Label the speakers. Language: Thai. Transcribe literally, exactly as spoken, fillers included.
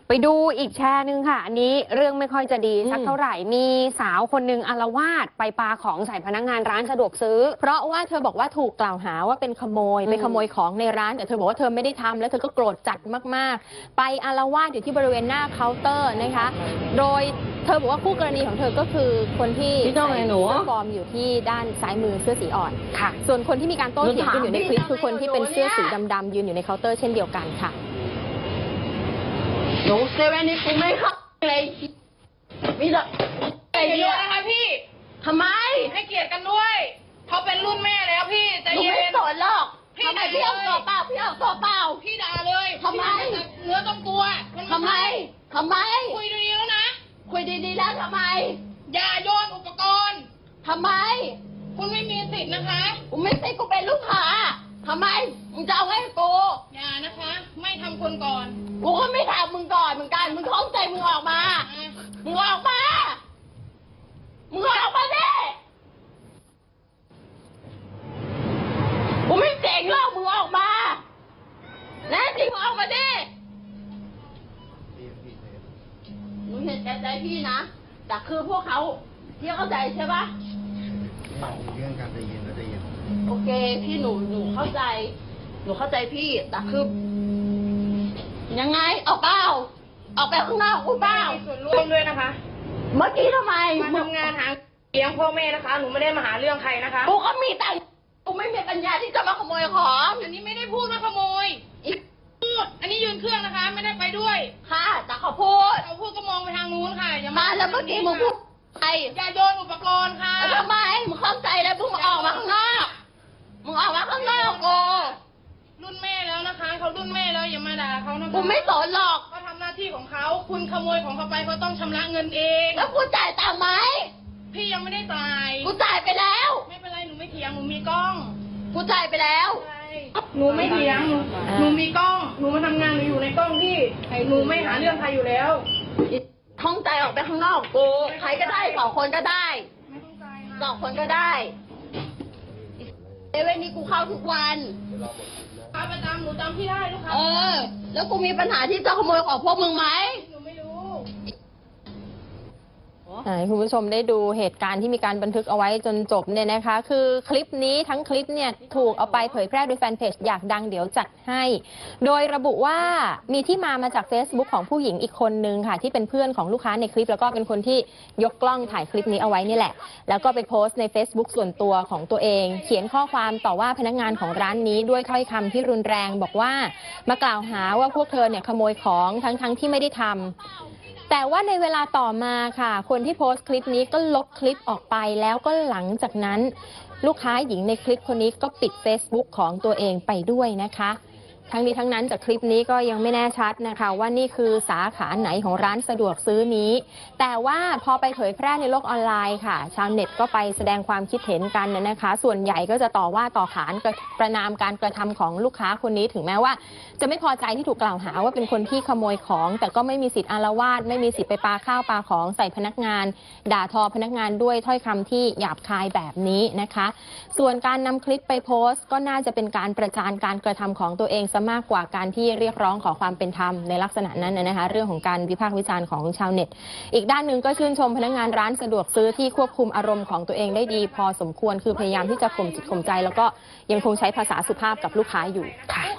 Speaker 1: ไปดูอีกแชร์หนึ่งค่ะอันนี้เรื่องไม่ค่อยจะดีสักเท่าไหร่มีสาวคนหนึ่งอาละวาดไปปาของใส่พนักงานร้านสะดวกซื้อเพราะว่าเธอบอกว่าถูกกล่าวหาว่าเป็นขโมยไปขโมยของในร้านแต่เธอบอกว่าเธอไม่ได้ทำแล้วเธอก็โกรธจัดมากๆไปอาละวาดอยู่ที่บริเวณหน้าเคาน์เตอร์นะคะโดยเธอบอกว่าคู่กรณีของเธอก็คือคนที่ใส่เสื้อฟอร์มอยู่ที่ด้านซ้ายมือเสื้อสีอ่อนค่ะส่วนคนที่มีการโต้เถียงกันอยู่ในคลิปคือคนที่เป็นเสื้อสีดำๆยืนอยู่ในเคาน์เตอร์เช่นเดียวกันค่ะ
Speaker 2: หนูเซเว่นนี่กูไม่เข้าเลยมีแต่
Speaker 3: ใจเย็นนะคะพี่
Speaker 2: ทำไม
Speaker 3: ให้เกียรติกันด้วยเขาเป็นรุ่นแม่แล้วพี่ใจเย็น
Speaker 2: หนูไม่สนหรอกพี่ด่าพี่เอาตัวเปล่าพี่เอาตัวเปล่า
Speaker 3: พี่ด่าเลย
Speaker 2: ทำไม
Speaker 3: เนื้อต้องตัว
Speaker 2: ทำไมทำไม
Speaker 3: คุยดีๆแล้วนะ
Speaker 2: คุยดีๆแล้วทำไม
Speaker 3: อย่าโยนอุปกรณ์
Speaker 2: ทำไม
Speaker 3: คุณไม่มีสิทธิ์นะคะ
Speaker 2: กูไม่สิทธิ์กูเป็นลูกค้าทำไมมึงจะเอาให้กู
Speaker 3: อย่านะคะไม่ทำคนก่อน
Speaker 2: กูก็ไม่ทำมึงก่อนเหมือนกันมึงท้องใจมึงออกมามึงออกมามึงออกมาดิกูไม่เจ๋งหรอกมึงออกมาแน่จริงมึงออกมาดิมึงเห็นใจพี่นะแต่คือพวกเขาที่เข้าใจใช่ปะ
Speaker 4: เรื่องการใจเย็นแล้วใจเย็น
Speaker 2: โอเคพี่หนูหนูเข้าใจหนูเข้าใจพี่แต่คือยังไงออกเปล่าออกไปข้างนอกกูเปล่า
Speaker 3: มีส่วนร่วมด้วยนะคะ
Speaker 2: เมื่อกี้ทำไม
Speaker 3: มาทำงานหาเลี้ยงพ่อแม่นะคะหนูไม่ได้มาหาเรื่องใครนะคะ
Speaker 2: กูก็มีแต่กูไม่มีปัญญาที่จะมาขโมยของ
Speaker 3: อันนี้ไม่ได้พูดว่าขโมยพูดอันนี้ยืนเครื่องนะคะไม่ได้ไปด้วย
Speaker 2: ค่ะแต่เขาพูด
Speaker 3: เขาพูดก็มองไปทางนู้นค่ะอย่า
Speaker 2: มาแล้วเมื่อกี้มึงพูดไอ้
Speaker 3: อย่าโยนอุปกรณ์ค่ะ
Speaker 2: ทำไมมึงเข้าใจแล้วมึงออกมาข้างนอกมึงออกมาข้างนอกกู
Speaker 3: รุ่นแม่แล้วนะคะเขารุ่นแม่แล้วอย่ามาด่าเขานะคะ
Speaker 2: กูไม่สนหรอก
Speaker 3: เขาทำหน้าที่ของเขาคุณขโมยของเขาไปเขาต้องชำระเงินเอง
Speaker 2: แล้วกูจ่ายตังค์ไหม
Speaker 3: พี่ยังไม่ได้จ่าย
Speaker 2: กูจ่ายไปแล้ว
Speaker 3: ไม่เป็นไรหนูไม่เถียงหนูมีกล้อง
Speaker 2: กูจ่ายไปแล้ว
Speaker 3: หนูไม่เถียงหนูหนูมีกล้องหนูมาทำงานหนูอยู่ในกล้องที่หนูไม่หาเรื่องใครอยู่แล้ว
Speaker 2: ท้องใจออกไปข้างนอกกูใครก็ได้สองคนก็ได้สองคนก็ได้เอเว่นนี้กูเข้าทุกวัน
Speaker 3: ค้าประจำหนูจำพี่ได้ลูกค้า
Speaker 2: เออแล้วกูมีปัญหาที่จะขโมยของพวกมึงไหม
Speaker 3: หนูไม่รู้
Speaker 1: ให้คุณผู้ชมได้ดูเหตุการณ์ที่มีการบันทึกเอาไว้จนจบเนี่ยนะคะคือคลิปนี้ทั้งคลิปเนี่ยถูกเอาไปเผยแพร่โดยแฟนเพจอยากดังเดี๋ยวจัดให้โดยระบุว่ามีที่มามาจาก Facebook ของผู้หญิงอีกคนนึงค่ะที่เป็นเพื่อนของลูกค้าในคลิปแล้วก็เป็นคนที่ยกกล้องถ่ายคลิปนี้เอาไว้นี่แหละแล้วก็ไปโพสต์ใน Facebook ส่วนตัวของตัวเองเขียนข้อความต่อว่าพนักงานของร้านนี้ด้วยถ้อยคำที่รุนแรงบอกว่ามากล่าวหาว่าพวกเธอเนี่ยขโมยของทั้งๆที่ไม่ได้ทำแต่ว่าในเวลาต่อมาค่ะคนที่โพสต์คลิปนี้ก็ลบคลิปออกไปแล้วก็หลังจากนั้นลูกค้าหญิงในคลิปคนนี้ก็ปิด Facebook ของตัวเองไปด้วยนะคะทั้งนี้ทั้งนั้นจากคลิปนี้ก็ยังไม่แน่ชัดนะคะว่านี่คือสาขาไหนของร้านสะดวกซื้อนี้แต่ว่าพอไปเผยแพร่ในโลกออนไลน์ค่ะชาวเน็ตก็ไปแสดงความคิดเห็นกันนะคะส่วนใหญ่ก็จะต่อว่าต่อขานประนามการกระทำของลูกค้าคนนี้ถึงแม้ว่าจะไม่พอใจที่ถูกกล่าวหาว่าเป็นคนที่ขโมยของแต่ก็ไม่มีสิทธิ์อาละวาดไม่มีสิทธิ์ไปปาข้าวปาของใส่พนักงานด่าทอพนักงานด้วยถ้อยคำที่หยาบคายแบบนี้นะคะส่วนการนำคลิปไปโพสต์ก็น่าจะเป็นการประจานการกระทำของตัวเองมากกว่าการที่เรียกร้องขอความเป็นธรรมในลักษณะนั้นนะคะเรื่องของการวิพากษ์วิจารณ์ของชาวเน็ตอีกด้านหนึ่งก็ชื่นชมพนักงานร้านสะดวกซื้อที่ควบคุมอารมณ์ของตัวเองได้ดีพอสมควรคือพยายามที่จะข่มจิตข่มใจแล้วก็ยังคงใช้ภาษาสุภาพกับลูกค้าอยู่ค่ะ